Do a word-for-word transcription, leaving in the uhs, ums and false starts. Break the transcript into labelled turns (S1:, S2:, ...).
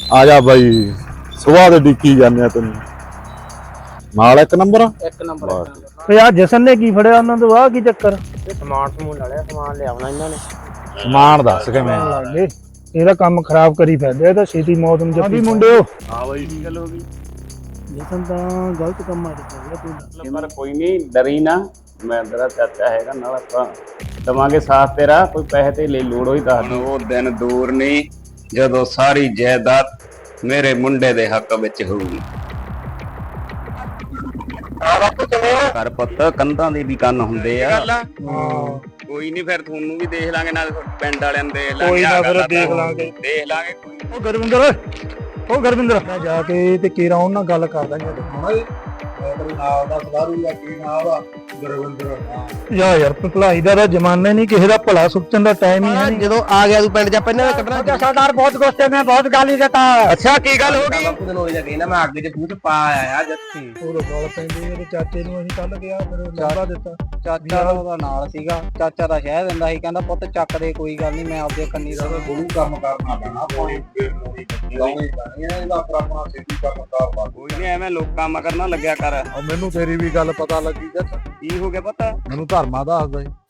S1: ਆ ਜਾ ਬਾਈ, ਸੁਬਾਹ ਦੇ ਡਿੱਕੀ ਜਾਂਦੇ ਆ ਤੈਨੂੰ। ਨਾਲ ਇੱਕ ਨੰਬਰ
S2: ਇੱਕ ਨੰਬਰ
S3: ਓਏ ਆ ਜਸਨ ਨੇ ਕੀ ਫੜਿਆ ਉਹਨਾਂ ਤੋਂ? ਆਹ ਕੀ ਚੱਕਰ?
S2: ਸਮਾਨ ਸਮੂਨ ਲੈ ਲਿਆ, ਸਮਾਨ ਲਿਆਉਣਾ ਇਹਨਾਂ ਨੇ।
S1: ਸਮਾਨ ਦੱਸ ਕਿਵੇਂ
S3: ਲੱਗੇ ਇਹਦਾ ਕੰਮ ਖਰਾਬ ਕਰੀ ਫਿਰਦੇ, ਇਹ ਤਾਂ ਛੇਤੀ ਮੌਤ ਨੂੰ ਜੱਫੀ ਮੁੰਡਿਓ।
S4: ਹਾਂ ਬਾਈ ਕੀ ਗੱਲ ਹੋ ਗਈ?
S3: ਜਸਨ ਤਾਂ ਗਲਤ ਕੰਮ ਆ ਰਿਹਾ ਤੂੰ।
S4: ਪਰ ਕੋਈ ਨਹੀਂ, ਡਰੀ ਨਾ, ਮੈਂ ਤੇਰਾ ਚਾਚਾ ਹੈਗਾ, ਨਾਲ ਆਪਾਂ ਦਵਾਂਗੇ ਸਾਥ ਤੇਰਾ। ਕੋਈ ਪੈਸੇ ਤੇ ਲਈ ਲੋੜ ਹੋਈ ਤਾਂ
S5: ਉਹ ਦਿਨ ਦੂਰ ਨਹੀਂ ਜਦੋਂ ਸਾਰੀ ਜਾਇਦਾਦ ਮੇਰੇ ਮੁੰਡੇ ਦੇ ਹੱਕ ਵਿੱਚ ਹੋਊਗੀ। ਘਰ ਪੁੱਤ ਕੰਧਾਂ ਦੇ ਵੀ ਕੰਨ ਹੁੰਦੇ ਆ। ਕੋਈ ਨਹੀਂ, ਫਿਰ ਤੁਹਾਨੂੰ ਵੀ ਦੇਖ ਲਾਂਗੇ, ਨਾਲ ਪਿੰਡ ਵਾਲਿਆਂ ਨੂੰ ਦੇਖ ਲਾਂਗੇ।
S3: ਕੋਈ ਨਾ, ਫਿਰ ਦੇਖ ਲਾਂਗੇ
S5: ਦੇਖ ਲਾਂਗੇ ਕੋਈ।
S3: ਉਹ ਗੁਰਵਿੰਦਰ ਓਏ, ਉਹ ਗੁਰਵਿੰਦਰ ਮੈਂ ਜਾ ਕੇ ਤੇ ਕੀਰਾ ਉਹਨਾਂ ਨਾਲ ਗੱਲ ਕਰਦਾ ਜੀ।
S6: ਨਾਮ ਦਾ ਸਵਾਰੂਗਾ ਕੀ ਨਾਮ ਆ? ਗੁਰਵਿੰਦਰ।
S3: ਯਾ ਯਾਰ ਭਲਾਈ ਦਾ ਤਾਂ ਜ਼ਮਾਨਾ ਨਹੀਂ, ਕਿਸੇ ਦਾ ਭਲਾ ਸੁੱਚਣ ਦਾ ਟਾਈਮ ਹੀ ਨਹੀਂ।
S2: ਜਦੋਂ ਆ ਗਿਆ ਤੂੰ ਪਿੰਡ ਜਾ ਪਹਿਲਾਂ ਕੱਢਣਾ।
S3: ਸਰਦਾਰ ਬਹੁਤ ਗੁੱਸੇ ਮੈਂ ਬਹੁਤ ਗਾਲੀ ਦਿੱਤਾ।
S2: ਅੱਛਾ ਕੀ ਗੱਲ ਹੋ ਗਈ?
S6: ਬਾਪੂ ਦੇ ਨੋਲੇ ਜਾ ਕੇ ਨਾ ਮੈਂ ਅੱਗੇ ਚ ਬੂਟ ਪਾ ਆਇਆ ਜੱਥੀ।
S3: ਉਹ ਗੋਲ ਪੈਂਦੀ ਇਹਦੇ ਚਾਚੇ ਨੂੰ ਅਸੀਂ ਕੱਲ ਗਿਆ, ਫਿਰ ਉਹ ਲਾਂਭਾ ਦਿੱਤਾ।
S2: ਚਾਚਾ ਉਹਦਾ ਨਾਲ ਸੀਗਾ, ਚਾਚਾ ਦਾ ਸ਼ਹਿ ਦਿੰਦਾ ਸੀ, ਕਹਿੰਦਾ ਪੁੱਤ ਚੱਕ ਦੇ, ਕੋਈ ਗੱਲ ਨਹੀਂ, ਮੈਂ ਆਪਦੇ ਕੰਨੀ ਦਾ
S6: ਗੁਰੂ ਕੰਮ ਕਰਨਾ ਪੈਣਾ, ਪਾਣੀ ਲਾਉਣੀ ਪੈਣੀ ਹੈ, ਇਹਦਾ ਆਪਣਾ ਆਪਣਾ ਸਿੱਧੀ ਕੰਮ ਕਰਵਾ।
S5: ਕੋਈ ਨਹੀਂ, ਐਵੇਂ ਲੋਕਾਂ ਮਗਰ ਨਾ ਲੱਗਿਆ ਕਰ।
S6: ਮੈਨੂੰ ਤੇਰੀ ਵੀ ਗੱਲ ਪਤਾ ਲੱਗੀ ਜੱਟ।
S5: ਕੀ ਹੋ ਗਿਆ ਪਤਾ?
S6: ਮੈਨੂੰ ਧਰਮਾ ਦੱਸਦਾ ਸੀ।